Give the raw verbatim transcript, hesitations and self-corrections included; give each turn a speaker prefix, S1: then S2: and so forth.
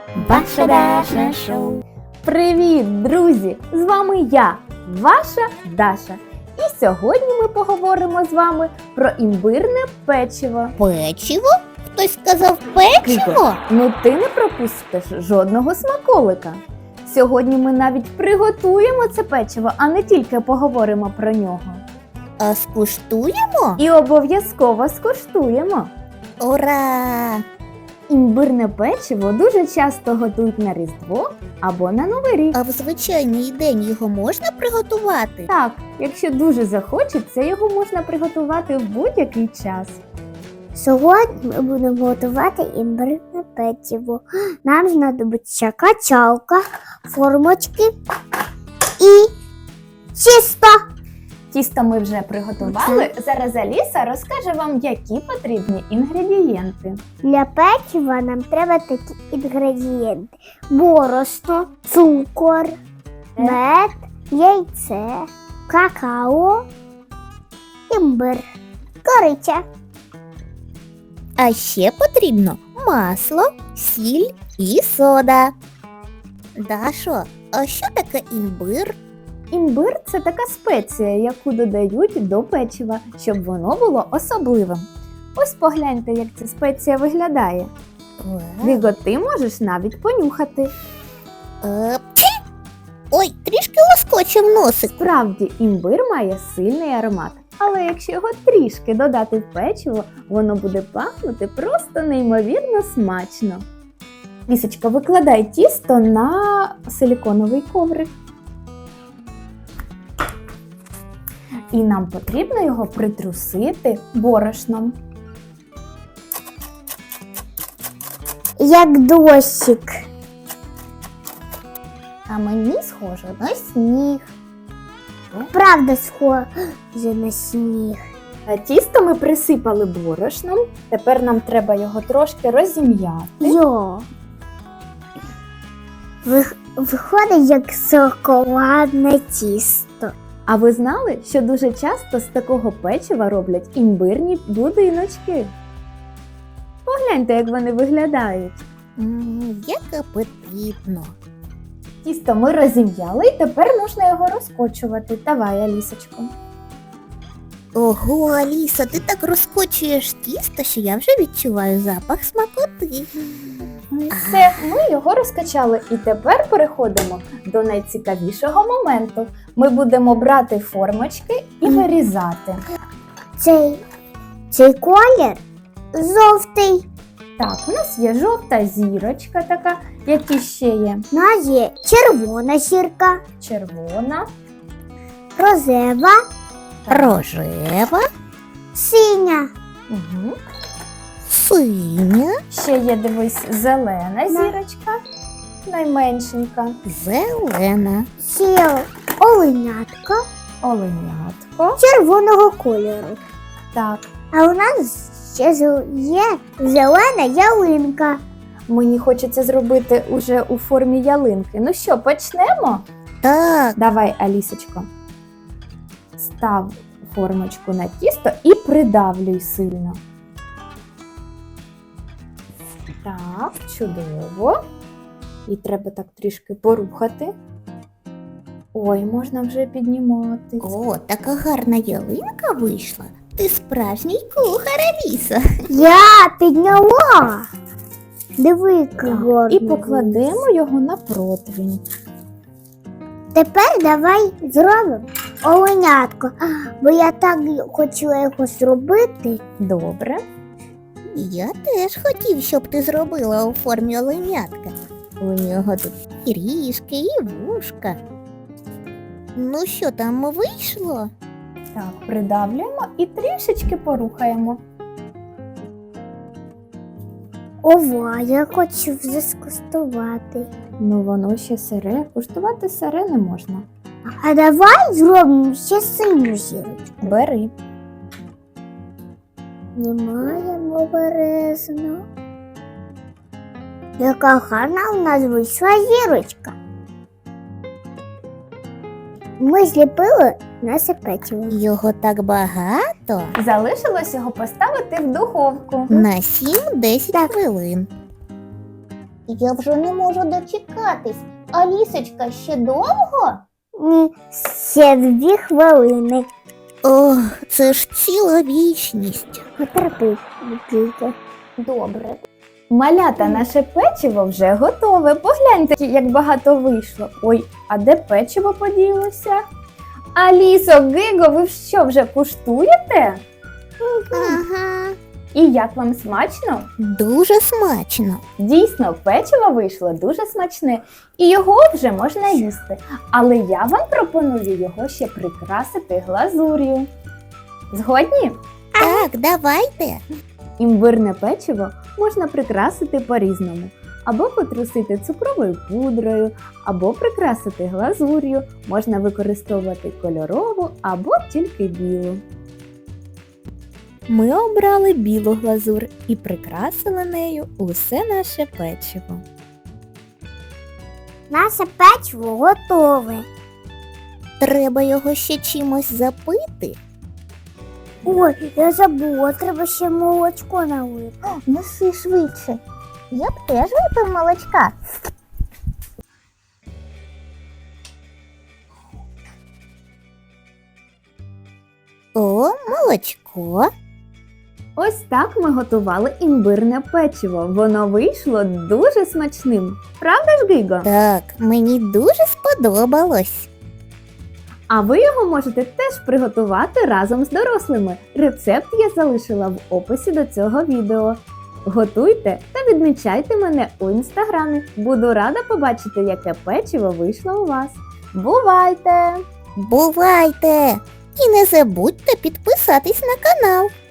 S1: Ваше Даша Шоу.
S2: Привіт, друзі! З вами я, ваша Даша. І сьогодні ми поговоримо з вами про імбирне печиво.
S1: Печиво? Хтось сказав печиво?
S2: Ну ти не пропустиш жодного смаколика. Сьогодні ми навіть приготуємо це печиво, а не тільки поговоримо про нього.
S1: А скуштуємо?
S2: І обов'язково скуштуємо.
S1: Ура!
S2: Імбирне печиво дуже часто готують на Різдво або на Новий рік.
S1: А в звичайний день його можна приготувати?
S2: Так, якщо дуже захочеться, його можна приготувати в будь-який час.
S3: Сьогодні ми будемо готувати імбирне печиво. Нам знадобиться качалка, формочки і тісто.
S2: Тісто ми вже приготували. Зараз Аліса розкаже вам, які потрібні інгредієнти.
S3: Для печива нам треба такі інгредієнти: борошно, цукор, мед, яйце, какао, імбир, кориця.
S1: А ще потрібно масло, сіль і сода. Дашо, а що таке імбир?
S2: Імбир – це така спеція, яку додають до печива, щоб воно було особливим. Ось погляньте, як ця спеція виглядає. Віго, ти можеш навіть понюхати.
S1: Е, пчі! Ой, трішки лоскочив носик.
S2: Справді, імбир має сильний аромат. Але якщо його трішки додати в печиво, воно буде пахнути просто неймовірно смачно. Лісочка, викладай тісто на силіконовий коврик. І нам потрібно його притрусити борошном.
S3: Як дощик.
S2: А мені схоже на сніг.
S3: Правда схоже на сніг.
S2: А тісто ми присипали борошном. Тепер нам треба його трошки розім'яти.
S3: Йо. Вих- Виходить як шоколадне тісто.
S2: А ви знали, що дуже часто з такого печива роблять імбирні будиночки? Погляньте, як вони виглядають.
S1: М, як апетитно.
S2: Тісто ми розім'яли і тепер можна його розкочувати. Давай, Алісочко.
S1: Ого, Аліса, ти так розкочуєш тісто, що я вже відчуваю запах смакоти.
S2: Все, ми його розкачали. І тепер переходимо до найцікавішого моменту. Ми будемо брати формочки і вирізати.
S3: Цей, цей колір жовтий.
S2: Так, у нас є жовта зірочка така, які ще є
S3: У нас є червона зірка,
S2: червона,
S3: рожева,
S1: Рожева,
S3: синя.
S2: угу.
S1: синя,
S2: Ще є, дивись, зелена зірочка, найменшенька,
S1: зелена.
S3: Ще оленятка
S2: оленятко.
S3: червоного кольору.
S2: Так,
S3: А у нас ще зел- є зелена ялинка.
S2: мені хочеться зробити уже у формі ялинки. Ну що, почнемо?
S1: Так,
S2: Давай, Алісочко, став формочку на тісто і придавлюй сильно. Так, чудово. І треба так трішки порухати. Ой, можна вже піднімати.
S1: о, така гарна ялинка вийшла. Ти справжній кухар, Аліса.
S3: Я підняла. Диви, який гарний.
S2: І покладемо його на противень.
S3: Тепер давай зробимо оленятко. Бо я так хотіла його зробити.
S2: Добре.
S1: Я теж хотів, щоб ти зробила у формі оленятка. У нього тут і ріжки, і вушка. Ну що там вийшло?
S2: Так, придавлюємо і трішечки порухаємо.
S3: Ова, я хочу вже скуштувати.
S2: Ну, воно ще сире. Куштувати сире не можна.
S3: А давай зробимо ще синю зірочку.
S2: Бери.
S3: Знімаємо обережно. Яка гарна у нас вийшла зірочка. Ми зліпили наше печиво.
S1: Його так багато.
S2: Залишилось його поставити в духовку.
S1: На сім-десять хвилин. Я вже не можу дочекатись. Алісочка, ще довго?
S3: Ні, ще дві хвилини.
S1: Ох, це ж ціла вічність.
S3: Потерпи, тільки.
S1: Добре.
S2: Малята, наше печиво вже готове. Погляньте, як багато вийшло. Ой, а де печиво поділося? Алісо, Гиго, ви що, вже куштуєте?
S1: Ага.
S2: І як вам смачно?
S1: Дуже смачно.
S2: Дійсно, печиво вийшло дуже смачне, і його вже можна їсти. Але я вам пропоную його ще прикрасити глазур'ю. Згодні?
S1: Так, давайте.
S2: Імбирне печиво можна прикрасити по-різному. Або потрусити цукровою пудрою, або прикрасити глазур'ю, можна використовувати кольорову або тільки білу. Ми обрали білу глазур і прикрасили нею усе наше печиво.
S3: Наше печиво готове.
S1: Треба його ще чимось запити.
S3: Ой, я забула, треба ще молочко налити.
S1: Неси швидше. Я б теж випив молочка. О, молочко.
S2: Ось так ми готували імбирне печиво. Воно вийшло дуже смачним. Правда ж, Гиго?
S1: Так, мені дуже сподобалось.
S2: А ви його можете теж приготувати разом з дорослими. Рецепт я залишила в описі до цього відео. Готуйте та відмічайте мене у інстаграмі. Буду рада побачити, яке печиво вийшло у вас. Бувайте!
S1: Бувайте! І не забудьте підписатись на канал.